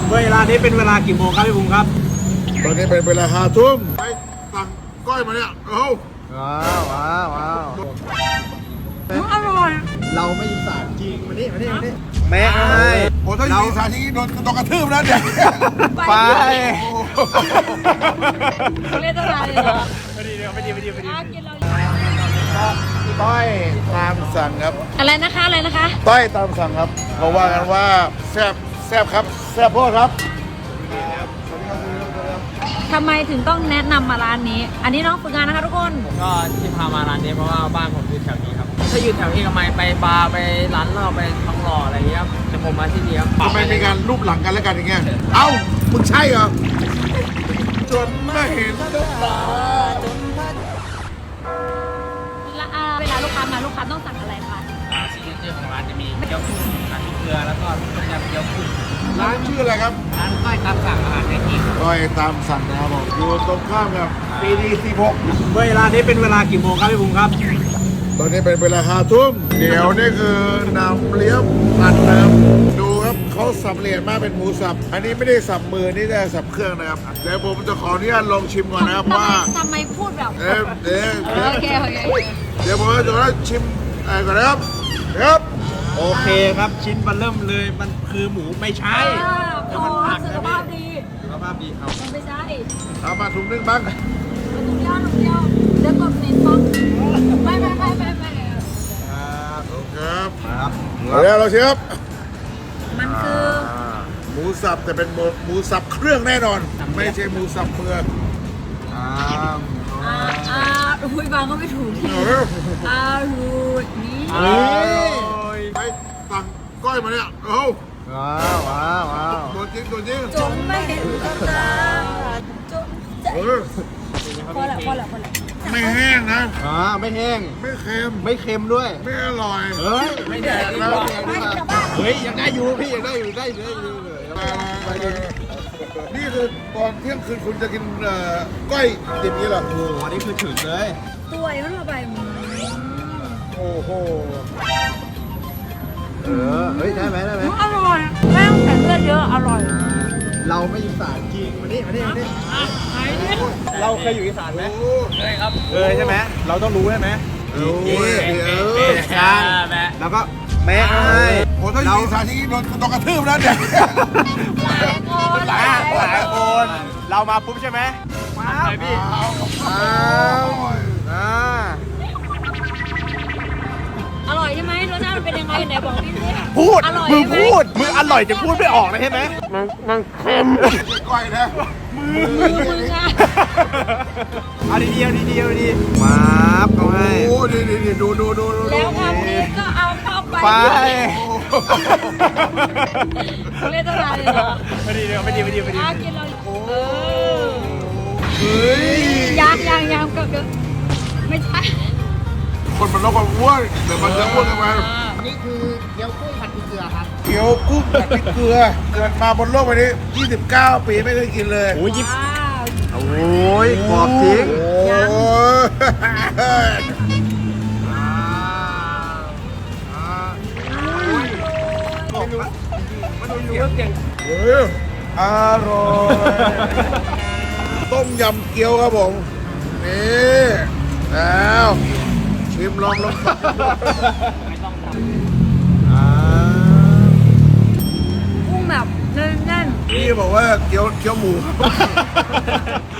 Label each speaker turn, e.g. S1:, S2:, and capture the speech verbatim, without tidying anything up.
S1: เวลานี้เป็นเวลากี่โมงครับพี่บุ้งครับ
S2: ตอนนี้เป็นเวลาห้าทุ่มไปสั่งก้อยมาเนี่ยเอ้า
S1: ว้าวว้าวว้าว
S3: อร่อย
S1: เราไม่ยินสารจริงมานี่มานี่มานี่แม่ไอ้
S2: โอ้ถ้าอยู่สารที่โดนโดนกระทืบนะเนี่ย
S1: ไป
S3: เขาเรียกอะไรเหรอ
S1: ไม่ดีเดี๋ยวไม่ดีไม่ดีไม่ดี
S3: กินเรา
S2: ต้อยตามสั่งครับ
S3: อะไรนะคะอะไรนะคะ
S2: ต้อยตามสั่งครับเขาว่ากันว่าแซ่บแซ่บครับแซ่บโพดครับ
S3: ทำไมถึงต้องแนะนำมาร้านนี้อันนี้น้องฝึกงานนะคะทุกคน
S4: ก็ที่พามาร้านนี้เพราะว่าบ้านผมอยู่แถวนี้ครับถ้าอยู่แถวเอกมัยไปบาร์ไปร้านเหล้าไปทองหล่ออะไรเงี้ยแต่ผมมาที่นี่ครับ
S2: ทำไมมีการรูปหลังกันแล้วกันอย่างเงี้ยเอ้ามึงใช่เหรอจนไม่เห็นตา
S3: เวลาลูกค้ามาลูกค้าต้องสั่งอะไรคะ
S4: ซิกเนเจอร์ของร้านจะมีเกี๊ยวกุ้งผัดพริกเกลือแล้วก็ต้มยำเกี๊ยวกุ้ง
S2: ร้านชื่ออะไรครับ
S4: ร้านก้อยตามสั่งอาหารในที่
S2: ก้อยตามสั่งนะครับผมอยู่ตรงข้ามกับปีดีสิบหก
S1: เวลานี้เป็นเวลากี่โมงครับพี่บุ้งครับ
S2: ตอนนี้เป็นเวลาห้าทุ่มเดี๋ยวนี่คือนำเลี้ยงผัดนะครับดูครับเขาสับละเอียดมากเป็นหมูสับอันนี้ไม่ได้สับมือนี่ได้สับเครื่องนะครับเดี๋ยวผมจะขออนุญาตลองชิมก่อนนะครับว่า
S3: ทำไมพูดแบบ
S2: เอ๊ะเดี๋ยว
S3: โอเคโอเค
S2: เดี๋ยวผมจะได้ชิมอะไรก่อนนะครับครับ
S1: โอเคครับชิ้นมันเริ่มเลยมันคือหมูไม่ใช่
S3: แล้วมันผักสุขภาพดี
S1: สุขภาพดีครับ
S3: มันไม่ใช่
S2: เอามาถุงนึงบ้าง
S3: ถุงเดียวถุงเดียวเดี๋ยวกดเน้นบ้างไม่ไม่ไม่ไม่ไม่
S2: ครับครับ
S1: ครับ
S2: เดี๋ยวเราเชฟ
S3: มันคือ
S2: หมูสับแต่เป็นหมูสับเครื่องแน่นอนไม่ใช่หมูสับเมือง
S3: อ่าอ่าคุยบางก็ไม่ถูกอ่าหูนี่
S2: ไปสั่งก้อยมาเนี่ยเอ้า
S1: ว้าวว้าวว้าว
S2: ตัวจริงตัวจริง
S3: จนไม่เห็นกับตาจนพอแล้วพอแล้วพอแล้ว
S2: ไม่แห้งนะ
S1: อ่าไม่แห้ง
S2: ไม่เค็ม
S1: ไม่เค็มด้วย
S2: ไม่อร่อย
S1: เฮ้ยไม่แดกแล้วเฮ้ยยังได้อยู่พี่ยังได้อยู่ได้เลย
S2: นี่คือตอนเที่ยงคืนคุณจะกินก้อยดิบนี้เหรอ
S1: โอ้โหอันนี้คือถึงเลย
S3: ตัวยังไม่ไป
S2: โอ้โห
S1: เออเฮ้ยได้ไหมได้ไหม
S3: อร่อยไม่ต้องใส่เลือดเยอะอร่อย
S1: เราไม่ยินสารจริงมานี่มานี่มานี่เราเคยอยู่อีสานไหม
S4: เคยครับ
S1: เคยใช่ไหมเราต้องรู้ใช่ไหม
S2: รู้เออ
S1: ใช่แล้วก็แม่ไอ้
S2: โอ้ถ้าอยู่อีสานที่โดนโดนกระทืบนะเนี่ย
S3: หลายคน
S1: หลายหลายคนเรามาปุ๊บใช่ไหมมาพี่
S2: เอา
S3: อร่อยใช่ไหมรสชาติมันเป็นยังไงไหนบอกพี่สิ
S1: พูดมึงพูดมึงอร่อยจะพูดไม่ออกเลยใช่ไหม
S2: มันมันเค็มก้อยนะ
S3: มือมืออ่ะ
S1: เอาดีเดียวดีเดียวดีมาบเขาให้
S2: โอ้ดีดีดูดูดู
S3: แล้วทำนี้ก็เอาเข้าไป
S1: ไป
S3: เขาเรียกอะไรเหรอ
S1: ไม่ดีเดียวไม่ดีไม่ดีไม่ดี
S3: กินเรา
S2: เออเฮ้ย
S3: ยังยังยังก็ไม่ใช่
S2: คนมันต้องความอ้วนแต่มันจะอ้วนกันมา
S4: นี่คือเกี๊ยวกุ้งผัดพริกเกลือครับ
S2: เกี๊ยวกุ้งผัดพริกเกลือเกิดมาบนโลกใบนี้ยี่สิบเก้าปีไม่เคยกินเลย
S1: โอ้ยยิบโอ้ยกรอบจริง
S2: โอ้ย
S1: มันดูอยู่เรื่องเก่ง
S2: เฮ้ยอร่อยต้มยำเกี๊ยวครับผมนี่แล้วชิมลองลอง
S3: กุ้งแบบแน่น
S2: ๆพี่บอกว่าเกี๊ยวเกี๊ยวหมู